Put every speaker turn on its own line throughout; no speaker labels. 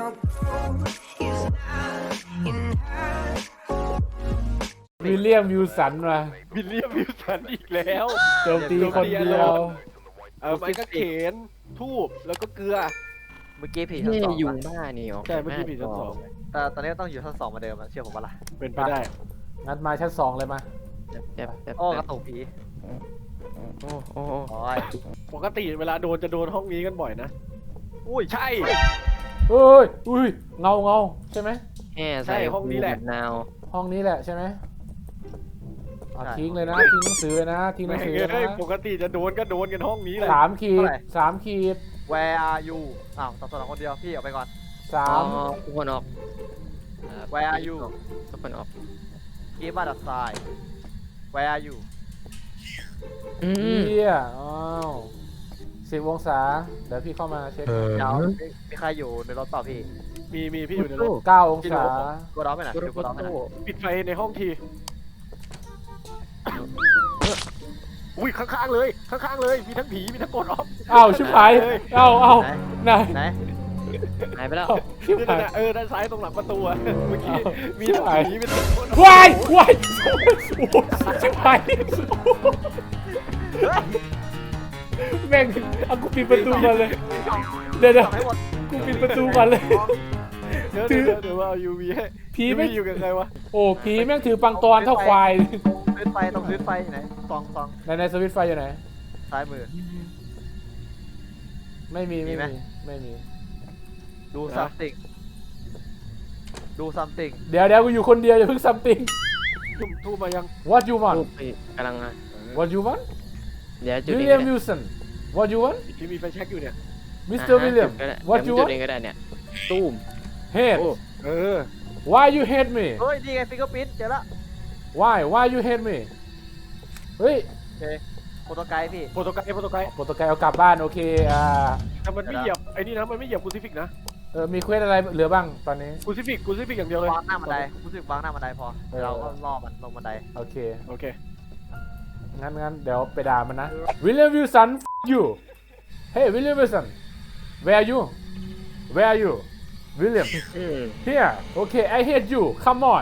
วิลเลียมวิลสันมา
วิลเลียมวิลสันอีกแล้ว
โจมตีคนเดียว
ไม้กางเขนทูบแล้วก็เกลือ
เมื่อกี้ผีชั้น
นี่
สอง
ยุง
ปะ
บ้านี่ออก
ใช่เมื่อกี้ผีชั้นสอง
แต่ตอนนี้ต้องอยู่ชั้นสองเหมือนเดิมอะเชื่อผมปะล่ะ
เป็นไปได้
งั้นมาชั้น2เลยมา
แบบ
โอ้กระตุกผี
โอ้โอ้
โอ้ย
ปกติเวลาโดนจะโดนห้องนี้กันบ่อยนะ
อุ้ย
ใช่
เอ้ยอุ้ยเงาใช่ไหม
แห่
ใช่ห้องนี้แหละ
นาว
ห้องนี้แหละใช่ไหมทิ้งเลยนะทิ้งหนังสือเลยนะทิ้งหนั
แม่
ง
ง
สือเลย
เอ้ย
นะ
ปกติจะโดนก็โดนกันห้องนี้แหละ
3 ขีด
Where are you อ้าวต่อคนเดียวพี่ออกไปก่อน
ทุกคนออก
Where are you
ทุกคนออก
Give us a sign Where are you
เฮียอ้าว10 องศาเดี๋ยวพี่เข้ามาเช็ค
เดี๋ยวมีใครอยู่ในรถเปล่าพี่
มีพี่อยู่ในรถ
9 องศา
กูร้องไปหน่อยกูร้องไปหน่อย
ปิดไฟในห้องทีอุ้ยข้างๆเลยข้างๆเลยมีทั้งผีมีทั้งกดออฟ
อ้าวชิบหายอ้าวไหน
ไหน
หายไปแล้ว
ชิบหาย
ด้านซ้ายตรงหลังประตูอะเมื่อกี้มีทั้งผีมีทั้งกด
วายวายโอ้โหชิบหายแม่งเอากูปิดประตูมาเลยเดี๋ยว
ให้หมด
กูปิดประตูก่อนเลย
เดี๋ยวว่าเอา UV ให้
ผีไม่
อยู่กับใครวะ
โอ้ผีแม่งถือปังตอนเท่าควาย
พื้นไฟตรงพื้นไฟไหนซอง
ในสวิตช์ไฟอยู่ไหน
ซ้ายมือ
ไม่มี
มีไหม
ไม่มี
ดู something ดู something
เดี๋ยวกูอยู่คนเดียวอย่าเพิ่ง something
ทูบมายัง
what you want
รูปไปกำลัง
what you want
เดี๋ยวจุดเอง
William Wilson what you want
ที่มีไฟแช็กอยู่เนี่ย
Mr. William what you
จุด
want
เองก็ได้เนี่ยตูม
hate
เออ
why you hate me
เฮ้ยนี่ไง fingerprint เจอละ
why you hate me เฮ้ย
โอเคโปรโตไกด์พี่
โปรโตไกด์
โปรโตไกด์เอากลับบ้านโอเค
แต่มันไม่เหยียบไอ้นี่นะมันไม่เหยียบคูซิฟิกนะ
มีเควสอะไรเหลือบ้างตอนนี้
คูซิฟิกอย่างเดียวเลยว
างหน้าบันไดรู้สึกวางหน้าบันไดพอเราก็ล่อมันลงบันได
โอเค
โอเค
งั้นเดี๋ยวไปด่ามันนะ William Wilson you hey William Wilson where are you William
อืม
here okay I hate you come on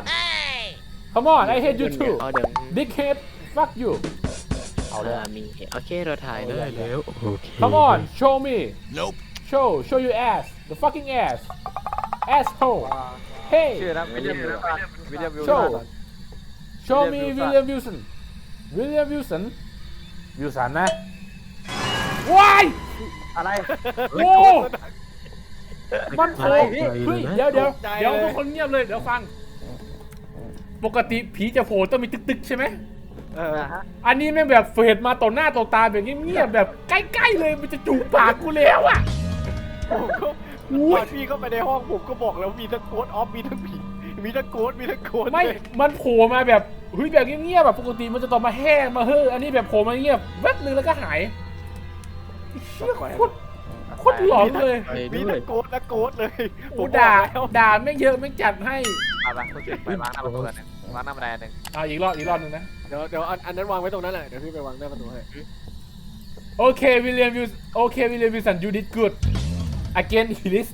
I hate you too
เอาเดี๋ยว
dickhead fuck you เอาเลย
มีโอเคเราถ่ายได้แล้วโอเค
come on show me show your ass the fucking asshole hey
ชื่อนะวิลเลียมวิลสัน
show me William Wilson Wilson นะว้าย
อะไร
โอ้มันโผล่เฮ้ยเดี๋ยวทุกคนเงียบเลยเดี๋ยวฟัง ปกติผีจะโผล่ต้องมีตึกๆใช่ไหม
ฮะ
อันนี้แม่งแบบเฟดมาต่อหน้าต่อตาแบบเงียบๆแบบใกล้ๆเลยมันจะจูบปากกูแล้วอ่ะ
ผมก็ตอนพี่เข้าไปในห้องผมก็บอกแล้วมีทั้งโค้ดออฟมีทั้งผีมีทั้งโค้ด
ไม่มันโผล่มาแบบเฮ้ยแบบเงียบๆแบบปกติมันจะต่อมาแห้งมาเฮ้ออันนี้แบบโผล่มาเงียบแวบนึงแล้วก็หายเชี่ยโคตรหลอนเลย
มีทั้งโค้ดเลย
กูด่าไม่เยอะไม่จัดให้
ไปคุณจุดไปวางหน้าประตูนึงวางหน้าบันไดนึง
อีกรอบนึงนะ
เดี๋ยวอันนั้นวางไว้ตรงนั้นแหละเดี๋ยวพี่ไปวางหน้าประตูให้
Okay, William Wilson, you did good. Again, please.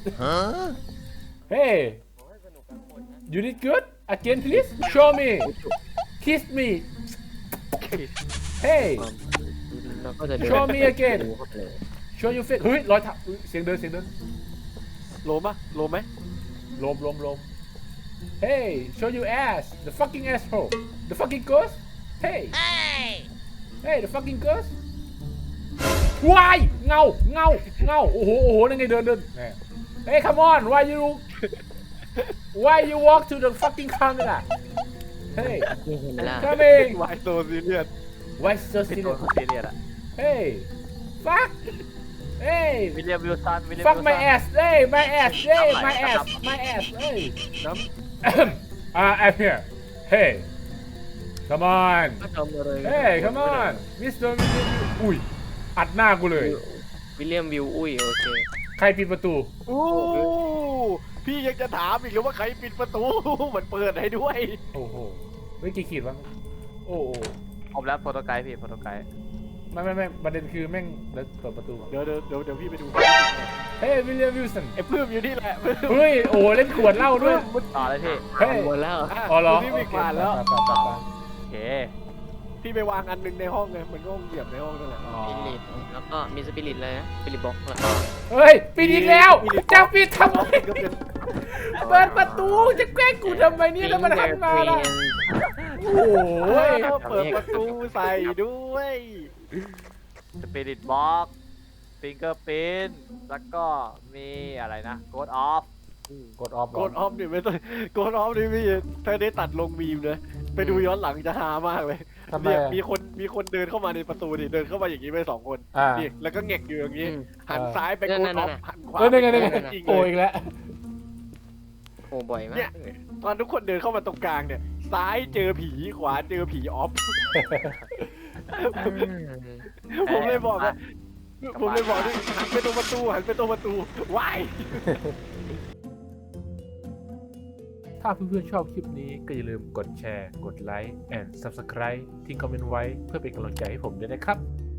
Hey, you did good. Again, please. Show me. Kiss me. Hey,
เราก็จะเดิน
show me again. Show your face. เฮ้ยรอยเท้าเสียงเดิน
โลมไหม
ลม Hey, show your ass. The fucking asshole. The fucking ghost. Hey, the fucking ghost. วายเงาโอ้โหนั่นไงเดินเฮ้ย come on why you walk to the fucking camera hey
นี่เห็นไหมล่ะ
coming
วายโซซีเรียส
why so
ที่ตัว
serious
ซีเรียสอะ
hey fuck hey
วิลเลียมวิลสัน
fuck my ass hey my ass hey my ass hey
น้
I'm here hey come on
ก็ทำอะไร
hey come on Mr. อุ้ยอัดหน้ากูเลย
วิลเลียมวิวอุ้ยโอเค
ใครปิดประตู
ำอู้พี่ยังจะถามอีกหรือว่าใครปิดประตูมันเปิดให้ด้วย
โอ้โหเฮ้ยกี่ขีดวะโอ้โห
ผมแล้วโปรโตไกด์พี่โปรโตไกด์
ไม่ประเด็นคือแม่งเดี๋ยวเปิดประตูก่อน
เดี๋ยวพี่ไปดู
Hey เฮ้ยวิลเลียมวิลสัน
ไอ้ปื้มอยู่นี่แหละปื้ม
เฮ้ยโอ้เล่นขวดเหล้าด้วย
ต่อเลยพี่
เฮ้ย
หมดแล้ว
อ๋อเหรอ
พี่วิ่งผ่านแล้ว
ไป
โอเค
พี่ไปวางอันหนึงในห้องเลยมันก็ห้องเหยียบในห้องนั่นแหละ
อ๋อ
สปิริตแล้วก็มีสปิริตเลยนะสปิริตบ็อกแล้วก็
เฮ้ยปิดอีกแล้วจะปิดทำไม
ก็เป็น
เปิดประตูจะแกล้งกูทำไมเนี่ยถ้ามันหันมาล่ะโอ้ย
เปิดประตูใส่ด้วย
สปิริตบ็อกฟิงเกอร์พินแล้วก็มีอะไรนะโกดออฟ
กดออฟ
โกดออฟนี่ไม่ต้องโกดออฟนี่พี่ถ้าได้ตัดลงมีมเลยไปดูย้อนหลังจะฮามากเลย
ทำไม
เนี่ย
อะ
มีคนเดินเข้ามาในประตูดิเดินเข้ามาอย่างนี้ไป2 คน
อ่า
นี่แล้วก็แงกอยู่อย่างนี้
อืม
หันซ้ายไปโกดออฟหันขวา
เออนี่ไงนี่ไง
ไปจริง
โอ้
เลย
อีกแล้ว
โอ้บ่อยมา
เนี่
ก
ย ตอนทุกคนเดินเข้ามาตรงกลางเนี่ย ซ้ายเจอผีขวาเจอผีออฟ ผมเลยบอกว่าผมเลยบอกนี่หันไปตรงประตูหันไปตรงประตูว้าย
ถ้าเพื่อนๆชอบคลิปนี้ก็อย่าลืมกดแชร์ กดไลค์ and subscribe ทิ้งคอมเมนต์ไว้เพื่อเป็นกำลังใจให้ผมด้วยนะครับ